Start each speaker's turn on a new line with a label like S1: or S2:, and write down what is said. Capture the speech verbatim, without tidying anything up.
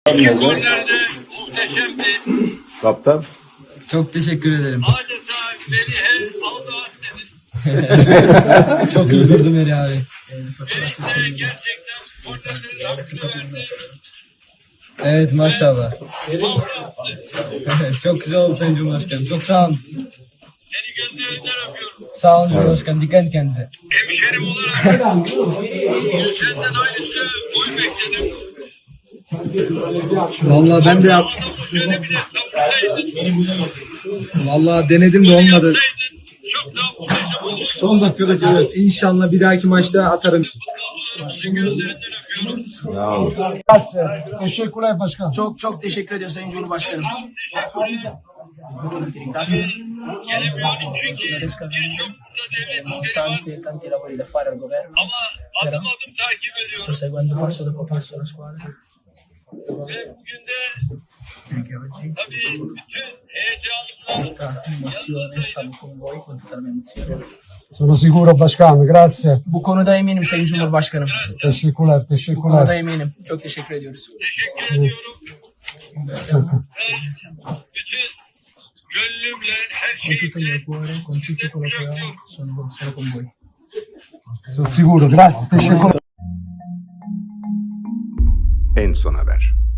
S1: İki gollerde muhteşemdi.
S2: Kaptan.
S3: Çok teşekkür ederim.
S1: Adeta Melih'e aldı at dedi.
S3: Çok iyi durdum Eri abi.
S1: Melih de gerçekten kornerlerin hakkını verdi.
S3: Evet maşallah.
S1: Aldı attı.
S3: Çok güzel oldu Sayın Cumhurbaşkanım. Çok sağ olun.
S1: Seni gözlerinden öpüyorum.
S3: Sağ olun Cumhurbaşkanım. Dikkat et kendinize.
S1: Hemşerim olarak senden aynısı gol bekledim.
S3: Vallahi ben de yap.
S1: Adamı şöyle bir de savursaydın.
S3: Vallahi denedim de olmadı.
S1: Çok daha muhteşem olurdu.
S3: Son dakikadaki evet. İnşallah bir dahaki maçta atarım.
S1: Futbolcularımızın gözlerinden öpüyorum.
S2: Sağ ol.
S4: Teşekkürler başkan.
S5: Çok çok teşekkür ediyoruz Sayın Cumhurbaşkanım.
S1: Gelemiyorum çünkü birçok burada devlet işleri var.
S5: Tanti, tanti lavori da fare al governo.
S1: Ama adım adım takip
S5: Sto
S1: ediyorum.
S5: seguendo passo dopo passo la squadra.
S1: Ve bugün de
S5: Perché oggi
S1: tabii bütün heyecanımla
S5: tutta emozione, stavo con voi con tutta la mia emozione.
S4: Sono sicuro başkan. Grazie.
S5: Bu konuda eminim Sayın Cumhurbaşkanım.
S4: Teşekkürler.
S5: Bu konuda
S4: Teşekkürler.
S5: eminim. Çok teşekkür ediyoruz.
S1: teşekkür ediyorum. Ve bütün gönlümle her
S5: Con tutto il
S1: şeyimle
S5: mio cuore, con tutto quello che ho, sono, sono con voi.
S4: Sono sicuro. Grazie. Teşekkürler.
S2: En son haber.